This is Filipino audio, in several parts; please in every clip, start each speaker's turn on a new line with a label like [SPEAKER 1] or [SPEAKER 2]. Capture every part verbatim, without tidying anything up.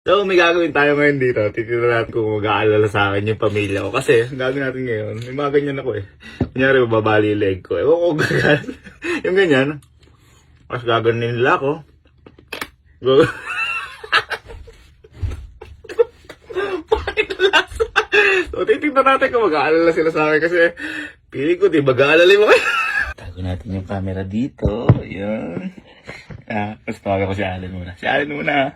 [SPEAKER 1] So, may gagawin tayo ngayon dito. Titignan natin kung mag-aalala sa akin yung pamilya ko. Kasi, ang gagawin natin ngayon, may mga ganyan ako eh. Kunyari, babali yung leg ko. Ewan ko gagan. Yung ganyan. Mas gaganin nila ako. Go. Bakit lasa? So, titignan natin kung mag-aalala sila sa akin. Kasi, pili ko, di mag-aalala mo kayo. Tago natin yung camera dito. Ayan. Ah, tapos tawagan ko si Allen muna. Si Allen muna.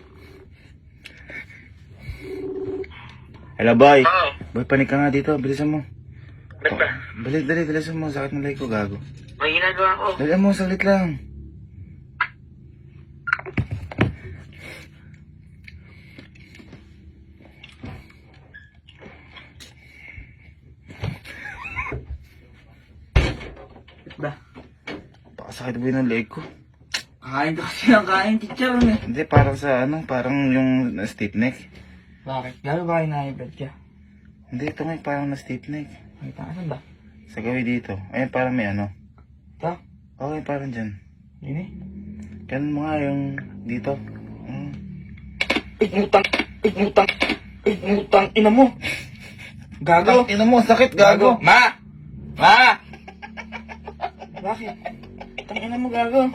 [SPEAKER 1] Hello, boy.
[SPEAKER 2] Oo.
[SPEAKER 1] Boy, panik ka nga dito. Bilisan mo.
[SPEAKER 2] Ba't ba?
[SPEAKER 1] Dali, dali, bilisan mo. Sakit ng leg ko, gago.
[SPEAKER 2] May ginagawa ko.
[SPEAKER 1] Dali mo, saglit lang.
[SPEAKER 2] Ba?
[SPEAKER 1] Pakasakit ba yun ng leg ko?
[SPEAKER 2] Kakain ka kasi ng kain, chicharon eh.
[SPEAKER 1] Hindi, parang sa ano, parang yung stiff neck.
[SPEAKER 2] Bakit? Gano'n ba kayo na-ibad ka?
[SPEAKER 1] Hindi, ito nga parang na stiff neck.
[SPEAKER 2] May taasan ba?
[SPEAKER 1] Sa gawi dito. Ayun, parang may ano.
[SPEAKER 2] Ito?
[SPEAKER 1] Okay, parang dyan.
[SPEAKER 2] Yun eh.
[SPEAKER 1] Ganun mo nga yung dito. Hmm.
[SPEAKER 2] Igmutang! Igmutang! Igmutang! Ina mo! Gago!
[SPEAKER 1] Ina mo, sakit, gago.
[SPEAKER 2] Ma! Ma! Bakit? Itang ina mo, gago.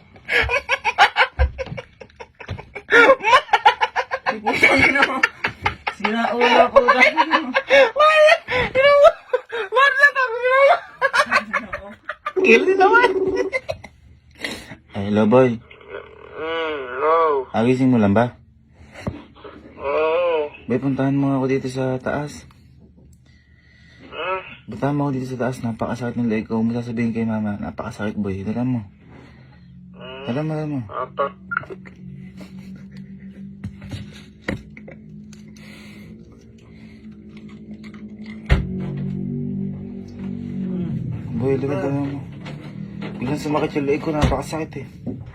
[SPEAKER 2] Igmutang ina mo! Sinaulo ko, gago.
[SPEAKER 1] Wala! Ina mo! Wala na ako, ina mo! Gili naman! Hello, boy.
[SPEAKER 2] Mm, no.
[SPEAKER 1] Agising mo lang ba?
[SPEAKER 2] Oo.
[SPEAKER 1] Boy, puntahan mo ako dito sa taas.
[SPEAKER 2] Mm.
[SPEAKER 1] Puntahan mo ako dito sa taas. Napakasakit ng leg ko. Huwag mo sasabihin kay mama. Napakasakit, boy. Dala mo. Dala mo, dala mo.
[SPEAKER 2] Apa?
[SPEAKER 1] Boy, dala dala mo. Biglang sumakit yung leg ko. Napakasakit eh.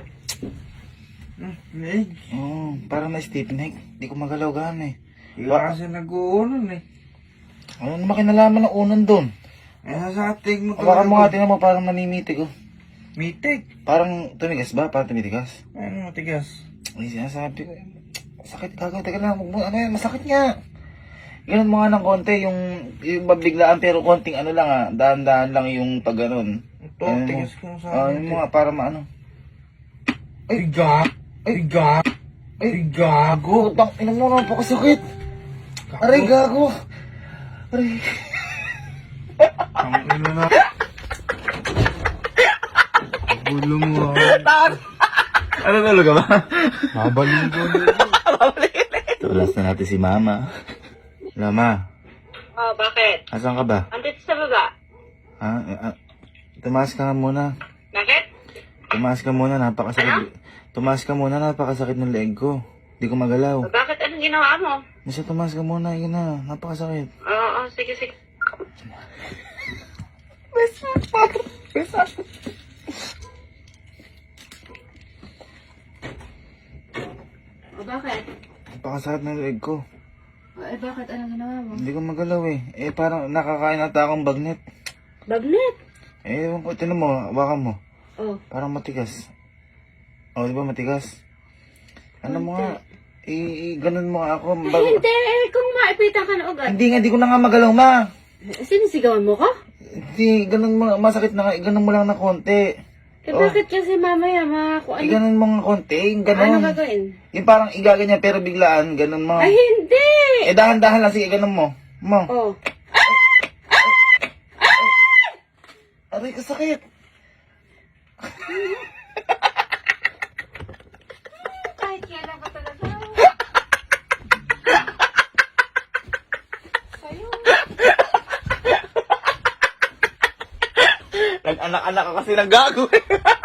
[SPEAKER 2] Eh,
[SPEAKER 1] Oo, parang na stiff neck. Di ko magalaw gaan eh.
[SPEAKER 2] ikaw kasi nag-uunan eh.
[SPEAKER 1] Ano naman kinalaman ng unan doon?
[SPEAKER 2] Eh, sasatig mo
[SPEAKER 1] Baka mo nga, tinan mo parang namimitig oh.
[SPEAKER 2] Mitig.
[SPEAKER 1] Parang tumigas ba? Parang tumitigas?
[SPEAKER 2] Ano matigas?
[SPEAKER 1] Ay, sinasabi ko. Sakit kagawin. Teka lang. Huwag mo, ano yan? Masakit nga. Ganun mo nga ng konti. Yung, yung mabiglaan pero konting ano lang ah. Dahan-dahan lang yung pag ganun.
[SPEAKER 2] Ito,
[SPEAKER 1] Ayun mo.
[SPEAKER 2] tigas ko sa
[SPEAKER 1] Ah, yun mo nga. Para maano.
[SPEAKER 2] Ay, gag! Ay, gag! Ay, gago!
[SPEAKER 1] Utang, ina mo naman po kasakit. Aray, gago. Aray.
[SPEAKER 2] Ang ino na. Gulo mo ah.
[SPEAKER 1] Ano nalo ka ba?
[SPEAKER 2] Mabaligo na.
[SPEAKER 1] Tulas na natin si Mama. Lama,
[SPEAKER 3] Oh, bakit?
[SPEAKER 1] asan ka ba?
[SPEAKER 3] Andito sa baba.
[SPEAKER 1] Ha? Ah, tumaas ka nga muna.
[SPEAKER 3] Bakit?
[SPEAKER 1] Tumaas ka muna, napakasakit. Tumaas ka muna, napakasakit ng leg ko. Di ko magalaw.
[SPEAKER 3] O, bakit? Anong ginawa mo?
[SPEAKER 1] Nasa tumaas ka muna, yun na, napakasakit.
[SPEAKER 3] Oo, oh, sige, sige. O, bakit?
[SPEAKER 1] Napakasakit ng leg ko.
[SPEAKER 3] O, eh, bakit? Anong ginawa mo?
[SPEAKER 1] Hindi ko magalaw eh. Eh, parang nakakain ata akong bagnet.
[SPEAKER 3] Bagnet!
[SPEAKER 1] Eh, ewan ko, tinan mo, hawakan mo.
[SPEAKER 3] Oh,
[SPEAKER 1] Parang matigas. Oh, di ba matigas? Ano mo nga, i, i ganun mo nga ako.
[SPEAKER 3] ay,
[SPEAKER 1] Bag-
[SPEAKER 3] hindi! Eh, kung maipitan ka na agad.
[SPEAKER 1] hindi nga, di ko na nga magalaw, ma.
[SPEAKER 3] Sinisigawan mo ko?
[SPEAKER 1] Hindi, ganun mo, masakit na nga, ganun mo lang na konti.
[SPEAKER 3] Eh,
[SPEAKER 1] Oh.
[SPEAKER 3] bakit kasi mamaya, ma, kung
[SPEAKER 1] I
[SPEAKER 3] ano,
[SPEAKER 1] ganun mo nga konti, yung
[SPEAKER 3] ano
[SPEAKER 1] ganun.
[SPEAKER 3] gagawin?
[SPEAKER 1] Yung parang igaganyan pero biglaan, ganun mo.
[SPEAKER 3] Ay, hindi!
[SPEAKER 1] Eh, dahan-dahan lang, sige, ganun mo. Mo.
[SPEAKER 3] Oh,
[SPEAKER 1] Aray, kasakit.
[SPEAKER 3] kahit kailan ka talaga. Sa'yo.
[SPEAKER 1] Nag-anak-anak ka kasi ng gago.